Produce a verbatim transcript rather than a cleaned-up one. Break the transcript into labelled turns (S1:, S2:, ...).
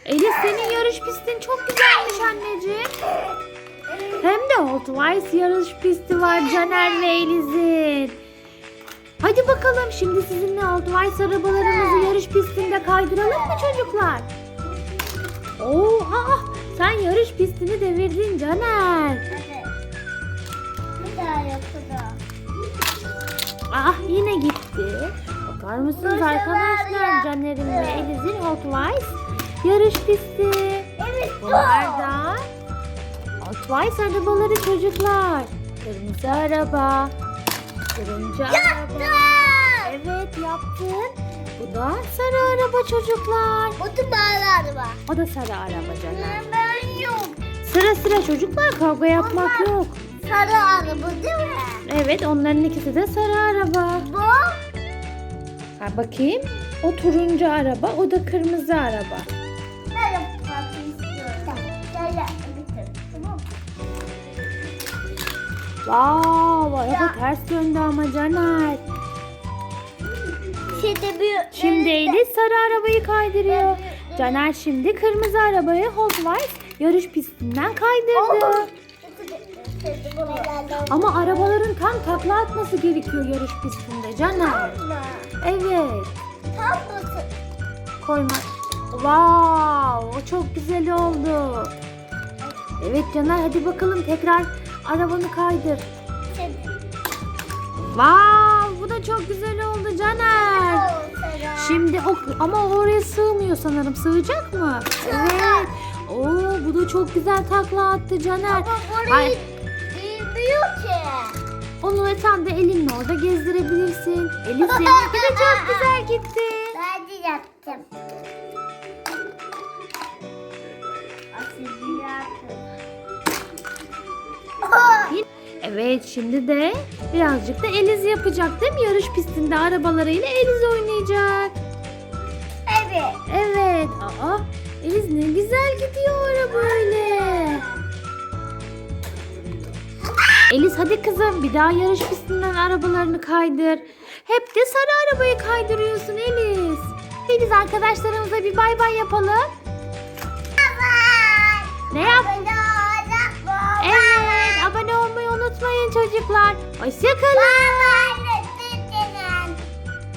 S1: Elif, senin yarış pistin çok güzelmiş anneciğim. Hem de Hot Wheels yarış pisti var Caner ve Elif'in. Hadi bakalım, şimdi sizinle Hot Wheels arabalarımızı yarış pistinde kaydıralım mı çocuklar? Oo, aa, sen yarış pistini devirdin Caner.
S2: Evet. Bir daha yapalım.
S1: Ah, yine gitti. Bakar mısınız arkadaşlar, Caner'in ve Elif'in Hot Wheels yarış pisti.
S2: Evet.
S1: Bunlar da Hot Wheels arabaları çocuklar. Kırmızı araba, turuncu araba. Evet, yaptın. Bu da sarı araba çocuklar.
S2: Bu da mavi araba.
S1: O da sarı araba Caner.
S2: Ben yok.
S1: Sıra sıra çocuklar, kavga yapmak yok.
S2: Sarı araba değil mi?
S1: Evet, onların ikisi de sarı araba.
S2: Bu.
S1: Ha, bakayım. O turuncu araba, o da kırmızı araba.
S2: Ben yapmak istiyorum. Tamam. Gel gel. Bitir. Tamam mı?
S1: Vav, araba
S2: Ya.
S1: ters döndü ama Caner.
S2: Şimdi bir...
S1: Şimdi Elif sarı arabayı kaydırıyor. Caner şimdi kırmızı arabayı Hot Wheels yarış pistinden kaydırdı. Ama arabaların tam takla atması gerekiyor yarış pistinde Caner. Evet.
S2: Tam basın.
S1: Koyma. Wow, o çok güzel oldu. Evet Caner, hadi bakalım tekrar arabanı kaydır.
S2: Şimdi.
S1: Wow, bu da çok güzel oldu Caner. Şimdi o, ama oraya sığmıyor sanırım. Sığacak mı? Evet. Oo, bu da çok güzel takla attı Caner.
S2: Ama burayı
S1: Ay,
S2: bilmiyor ki.
S1: onu sen de elinle orada gezdirebilirsin. Elif, seninki de çok güzel gitti.
S2: Ben de yaptım. Aslında yaptım.
S1: Evet, şimdi de birazcık da Eliz yapacak değil mi? Yarış pistinde arabalarıyla Eliz oynayacak.
S2: Evet.
S1: Evet. Aa, Eliz ne güzel gidiyor araba böyle. Eliz, hadi kızım, bir daha yarış pistinden arabalarını kaydır. Hep de sarı arabayı kaydırıyorsun Eliz. Eliz, arkadaşlarımıza bir bay bay yapalım. Ne yap? Evet, abone olmayı unutmayın çocuklar. Hoşça kalın.